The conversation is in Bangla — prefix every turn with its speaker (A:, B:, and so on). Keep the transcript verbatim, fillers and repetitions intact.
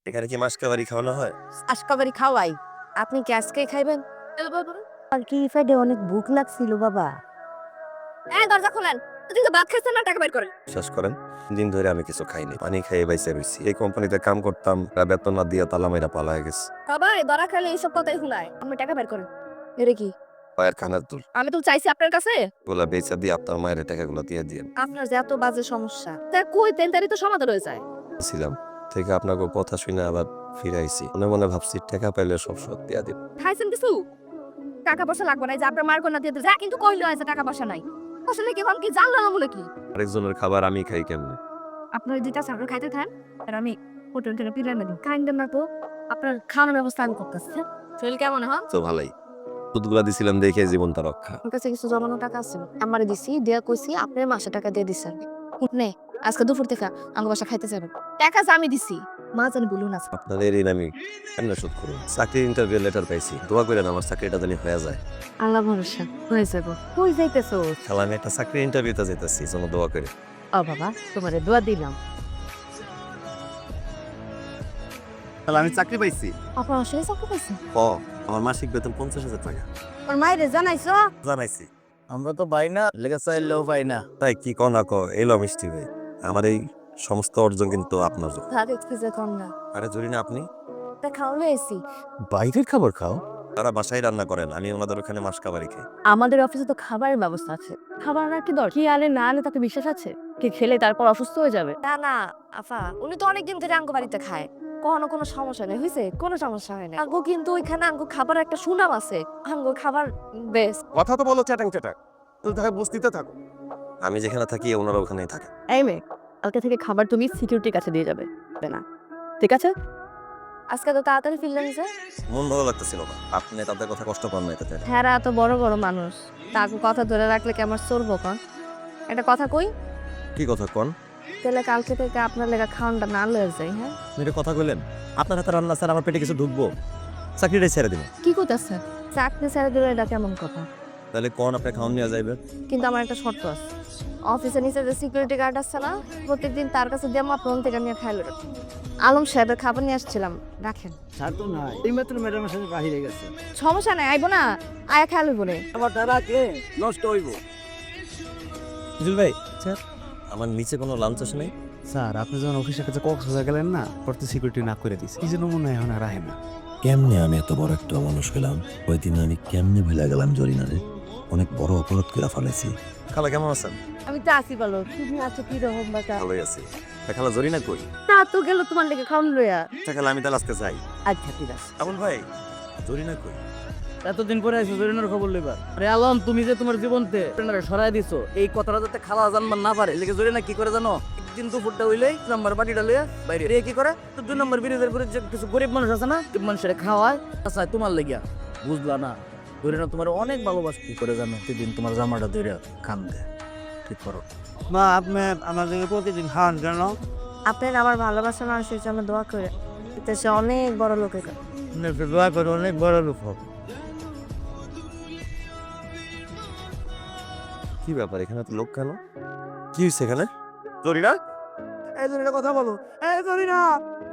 A: এখানে কি মাসকাবারি খাওয়ানো হয়?
B: আজকাবারি খাওয়াই। আপনি কি আজকেই খাইবেন? আর কি ফেডে অনেক ভুক লাগছিল বাবা। এই দরজা খোলেন। তুই তো ভাত খাইছেন না, টাকা বের করেন।
A: বিশ্বাস করেন, দিন ধরে আমি কিছু খাইনি, পানি খেয়ে বাইসে রয়েছি। এই কোম্পানিতে কাম করতাম, তারা বেতন না দিয়ে তালা মেরা পালায় গেছে।
B: সবাই ধরা খাইলে এইসব কথাই শুনায়। আপনি টাকা বের করেন। এটা কি?
A: পায়ের খানার দুল
B: আমি তো চাইছি আপনার কাছে।
A: গুলা বেচা দিয়ে আপনার মায়ের টাকাগুলো দিয়ে দিয়ে
B: আপনার যে এত বাজে সমস্যা, তা কই তেন তারি তো সমাধান হয়ে যায়।
A: ছিলাম থেকে আপনাকে কথা শুনে আবার ফিরাইছি। মনে মনে ভাবছি টাকা পাইলে সব শোধ দিয়া দিব।
B: খাইছেন কিছু? টাকা পয়সা লাগবে না, এই যে আপনার মার কন্যা দিয়ে যা, কিন্তু কইলো আছে টাকা পয়সা নাই। আসলে কি এখন কি জানলাম না বলে কি?
A: আরেকজনের খাবার আমি খাই কেমনে?
B: আপনার যেটা সামনে খাইতে থান, আর আমি হোটেল থেকে পিরামিড কাইন্ডেন না তো। আপনার খাওয়ানোর ব্যবস্থা আমি করতেছি। হ্যাঁ? শরীর কেমন হন?
A: তো ভালোই, দুধগুলা দিছিলাম দেখে জীবনটা রক্ষা।
B: আমার কাছে কিছু জমানো টাকা আছে, আমারে দিছি, দেয়া কইছি আপনার মাসে টাকা দিয়ে দিছেন। নে আজকে দুপুর থেকে আমার বাসা খাইতে যাবেন। টাকা যে আমি দিছি, মা জানি বলুন আছে।
A: আপনাদের ঋণ আমি কেমনে শোধ করব? চাকরির ইন্টারভিউ লেটার পাইছি, দোয়া করেন আমার চাকরিটা জানি হয়ে যায়।
B: আল্লাহ ভরসা হয়ে যাব। কই যাইতেছো?
A: খেলা আমি একটা চাকরির ইন্টারভিউতে যেতেছি, জন্য দোয়া করে।
B: ও বাবা, তোমারে দোয়া দিলাম।
A: তাহলে আমি চাকরি পাইছি।
B: আপনার আসলে চাকরি পাইছেন?
A: ও, আমার মাসিক বেতন পঞ্চাশ হাজার টাকা।
B: ওর মায়েরে জানাইছো?
A: জানাইছি।
C: আমরা তো পাই না, লেগে চাইলেও পাই না।
A: তাই কি কন না ক, এলো মিষ্টি ভাই, আমার এই সমস্ত অর্জন কিন্তু আপনার জন্য।
B: ভাত এক্সকিউজে কম না।
A: আরে জরি না আপনি
B: তা খাওয়ালে এসি।
C: বাইরের খাবার খাও?
A: তারা বাসায় রান্না করেন, আমি ওনাদের ওখানে মাস কাবারি খাই।
B: আমাদের অফিসে তো খাবারের ব্যবস্থা আছে। খাবার আনার কি দরকার? কি আনে না আনে তাতে বিশ্বাস আছে? কি খেলে তারপর অসুস্থ হয়ে যাবে? না না আফা, উনি তো অনেকদিন ধরে আঙ্গো বাড়িতে খায়। কখনো কোনো সমস্যা নেই, হয়েছে কোনো সমস্যা হয় না। আঙ্গো কিন্তু ওইখানে আঙ্গো খাবার একটা সুনাম আছে। আঙ্গো খাবার বেস্ট।
D: কথা তো বলো চ্যাটাং চ্যাটাং, তুমি তাকে বস্তিতে থাকো।
A: আমি যেখানে থাকি ওনারা ওখানেই থাকে।
B: এই মেয়ে, কালকে থেকে খাবার তুমি সিকিউরিটির কাছে দিয়ে যাবে না, ঠিক আছে? আজকে তো তাড়াতাড়ি ফিরলেন যে।
A: মন ভালো লাগতেছিল না, আপনি তাদের কথা কষ্ট পান না এটাতে।
B: হ্যাঁ এত বড় বড় মানুষ, তাকে কথা ধরে রাখলে কি আমার চলবো? কন একটা কথা কই,
A: কি কথা কন?
B: তাহলে কালকে থেকে আপনার লেগা খাওয়ানটা না লয়ে যাই। হ্যাঁ
A: মেরে কথা কইলেন, আপনার হাতে রান্না স্যার আমার পেটে কিছু ঢুকবো, চাকরিটাই ছেড়ে দিব।
B: কি করতেছেন? চাকরি ছেড়ে দিলে এটা কেমন কথা?
A: তাহলে কোন আপনি খাওয়ান নিয়ে যাইবেন?
B: কিন্তু আমার একটা শর্ত আছে। অফিসের নিচে যে সিকিউরিটি গার্ড আছে না, প্রত্যেকদিন তার কাছে দিয়ে আমার ফোন থেকে নিয়ে খাইলো। আলম সাহেবের খাবার নিয়ে আসছিলাম, রাখেন।
C: স্যার তো নাই, এই মাত্র ম্যাডামের সাথে বাহিরে গেছে।
B: সমস্যা নাই, আইবো না, আয়া খেয়াল বলে।
C: আমার দ্বারা কে নষ্ট হইব?
A: জুল ভাই স্যার, আমার নিচে কোনো লাঞ্চ আসে নাই।
E: স্যার আপনি যখন অফিসের কাছে কক্সবাজার গেলেন না, পড়তে সিকিউরিটি না করে দিছে, এই জন্য মনে হয় এখন আর আহে না।
F: কেমনে আমি এত বড় একটা মানুষ হইলাম? ওই দিন আমি কেমনে ভুলে গেলাম জরিনারে? অনেক বড় অপরাধ করে ফেলেছি।
A: খালা কেমন আছেন?
B: আমি তো আসি বলো, তুমি আছো কি রকম বাটা?
A: ভালোই আছি। তা খালা জরিনা কই?
B: তা তো গেল তোমার লেগে খাওয়ান লইয়া।
A: আচ্ছা খালা, আমি তাহলে আজকে যাই।
B: আচ্ছা ঠিক আছে।
A: আমন ভাই, জরিনা কই?
C: এতদিন পরে আইসো জরিনার খবর লইবার। আরে আলম, তুমি যে তোমার জীবনতে জরিনারে সরাই দিছো, এই কথাটা যাতে খালা জানবার না পারে, লেগে জরিনা কি করে জানো? একদিন দুপুরটা হইলেই নাম্বার বাটিটা লইয়া বাইরে রে কি করে, তো দুই নম্বর ব্রিজের করে যে কিছু গরিব মানুষ আছে না, গরিব মানুষের খাওয়ায়, আচ্ছা তোমার লেগিয়া, বুঝলা না? জরিনা তোমার অনেক ভালোবাসে, কি করে জানো? সেদিন তোমার জামাটা ধরে কান্দে। ঠিক করো
E: মা, আপনি আমাদেরকে প্রতিদিন খাওয়ান কেন?
B: আপনার আমার ভালোবাসা মানুষের জন্য দোয়া করে, এতে সে অনেক বড় লোকের কাছে।
E: আপনি একটু দোয়া করে অনেক বড় লোক হোক।
A: কি ব্যাপার, এখানে তো লোক কেন? কি হয়েছে এখানে? জরিনা,
D: এই জরিনা কথা বলো, এই জরিনা।